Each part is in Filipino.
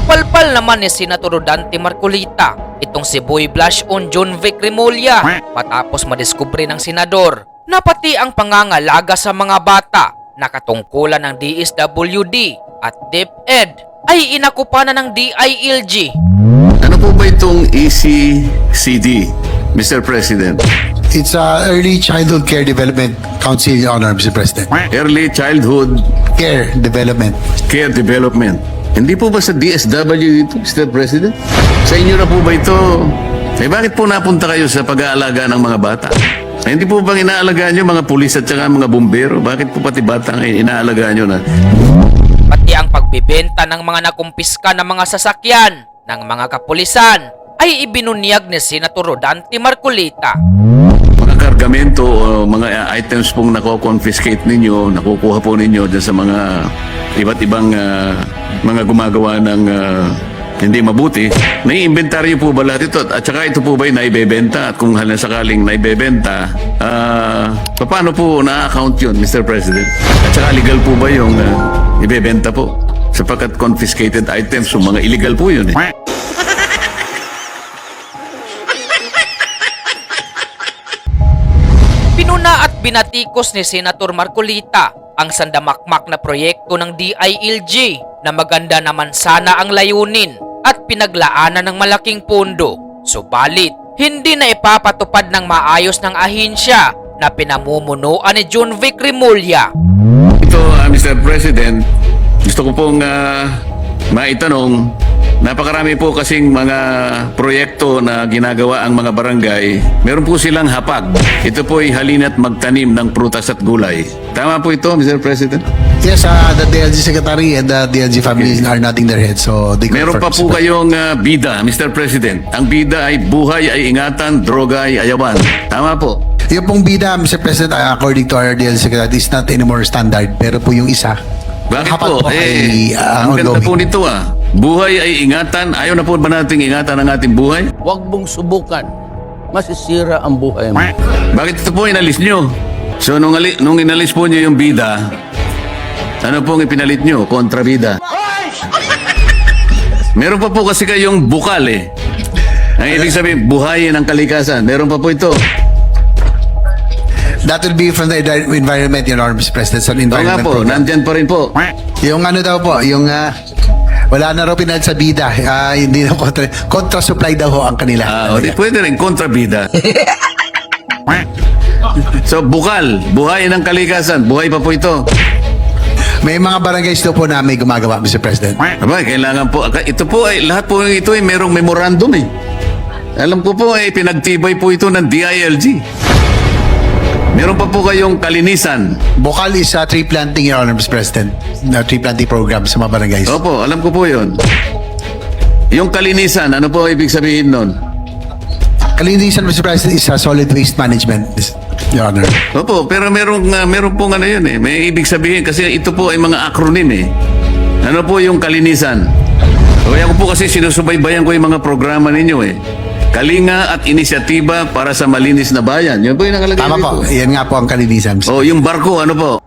Napalpal naman ni Senator Dante Marcolita itong si Boy Blush on John Vic Remulla matapos madiskubre ng senador na pati ang pangangalaga sa mga bata na katungkulan ng DSWD at DepEd ay inakupa na ng DILG. Ano po ba itong ECCD, Mr. President? It's Early Childhood Care Development Council, Your Honor, Mr. President. Early Childhood Care Development. Care Development. Hindi po ba sa DSW dito, Mr. President? Sa inyo na po ba ito? Eh bakit po napunta kayo sa pag-aalaga ng mga bata? Eh, hindi po bang inaalagaan nyo mga pulis at saka mga bumbero? Bakit po pati bata ang inaalagaan nyo na? Pati ang pagbibenta ng mga nakumpiska ng mga sasakyan ng mga kapulisan ay ibinunyag ni Senator Dante Marcolita. Mga kargamento o mga items pong nako-confiscate ninyo, nakukuha po ninyo dyan sa mga iba't ibang mga gumagawa ng hindi mabuti, nai-inventaryo po ba lahat ito? At saka ito po ba yung naibebenta? At kung sakaling naibebenta, paano po na-account yun, Mr. President? At saka legal po ba yung ibebenta po? Sapagkat confiscated items, so mga illegal po yun eh. Pinuna at binatikos ni Senator Marcolita ang sandamakmak na proyekto ng DILG na maganda naman sana ang layunin at pinaglaanan ng malaking pondo. Subalit, hindi na ipapatupad ng maayos ng ahensya na pinamumunuan ni John Vic Remulla. Ito, Mr. President, gusto ko pong maitanong, napakarami po kasing mga proyekto na ginagawa ang mga barangay. Meron po silang hapag. Ito po ay halina't magtanim ng prutas at gulay. Tama po ito, Mr. President? Yes, the DLG Secretary and the DLG families are nodding their heads. So they Meron pa po kayong bida, Mr. President. Ang bida ay buhay ay ingatan, droga ay ayawan. Tama po. Yung pong bida, Mr. President, according to our DLG Secretary, is not anymore standard. Pero po yung isa, Bakit hapag po? ay Ang ganda po nito Buhay ay ingatan. Ayaw na po ba nating ingatan ang ating buhay? Huwag mong subukan. Masisira ang buhay mo. Bakit ito po inalis nyo? So nung inalis po nyo yung bida, ano pong ipinalit nyo? Kontrabida. Meron pa po kasi kayong bukal eh. Ang ibig sabihin, buhayin ang kalikasan. Meron pa po ito. That will be from the environment, Your Honor, Mr. President. So, Oo nga environment po, program. nandyan pa rin po. Yung ano daw po, yung wala na raw pinalit sa bida. Hindi na contra supply daw ho ang kanila. Pwede rin kontrabida. So bukal, buhayin ang kalikasan. Buhay pa po ito. May mga barangays daw po na may gumagawa, Mr. President. Aba, kailangan po. Ito po ay, lahat po ito ay merong memorandum eh. Alam ko po ay pinagtibay po ito ng DILG. Meron pa po kayong kalinisan. Bukal is tree planting, Your Honor, Mr. President. Tree planting program sa mga barangays. Opo, alam ko po yun. Yung kalinisan, ano po ibig sabihin nun? Kalinisan, Mr. President, is solid waste management, Your Honor. Opo, pero meron pong ano yun eh. May ibig sabihin kasi ito po ay mga acronym eh. Ano po yung kalinisan? Kaya ko po kasi sinusubaybayan ko yung mga programa ninyo eh. Kalinga at inisyatiba para sa malinis na bayan. Yun po yung nakalagay Tama po. dito. Yan nga po ang kalinisan, Mr. Oh, yung barko, ano po?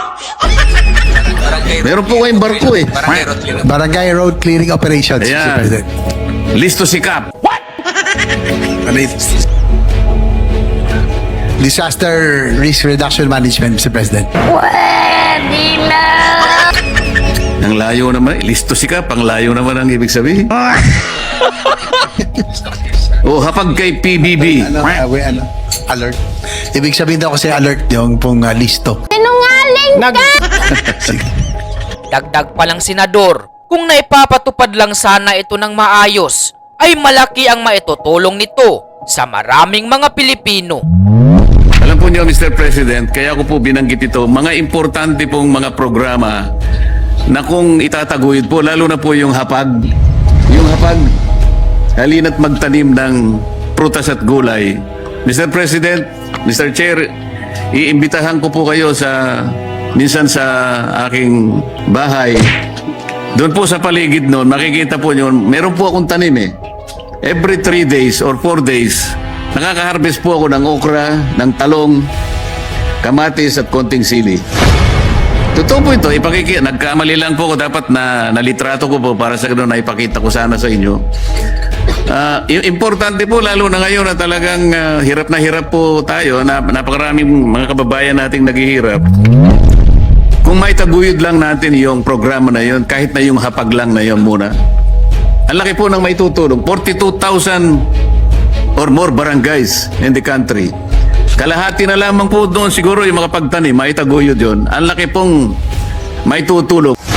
Meron po kayong barko eh. Barangay Road Clearing Operations, Mr. Ayan. President. Listo sikap. Ano yun? Disaster Risk Reduction Management, Mr. President. Ang layo naman. Listo sikap. Ang layo naman ang ibig sabihin. Oh, hapag kay PBB. Alert. Ibig sabihin daw kasi alert yung pong listo. Sinungaling ka! Dagdag pa lang senador, kung naipapatupad lang sana ito ng maayos, ay malaki ang maitutulong nito sa maraming mga Pilipino. Alam po niyo, Mr. President, kaya ko po binanggit ito, mga importante pong mga programa na kung itataguyod po, lalo na po yung hapag, halina't magtanim ng prutas at gulay. Mr. President, Mr. Chair, iimbitahan ko po kayo minsan sa aking bahay. Doon po sa paligid noon, makikita po nyo, meron po akong tanim eh. Every 3 days or 4 days, nakaka-harvest po ako ng okra, ng talong, kamatis at konting sili. Totoo po ito. Nagkamali lang po ko. Dapat na nalitrato ko po para sa ganun na ipakita ko sana sa inyo. Importante po lalo na ngayon na talagang hirap na hirap po tayo. Napakaraming mga kababayan nating naghihirap. Kung may taguyod lang natin yung programa na yun, kahit na yung hapag lang na yun muna. Ang laki po ng may tutulong. 42,000 or more barangays in the country. Kalahati na lamang po doon siguro yung mga pagtanim, may taguyod yun. Ang laki pong may tutulong.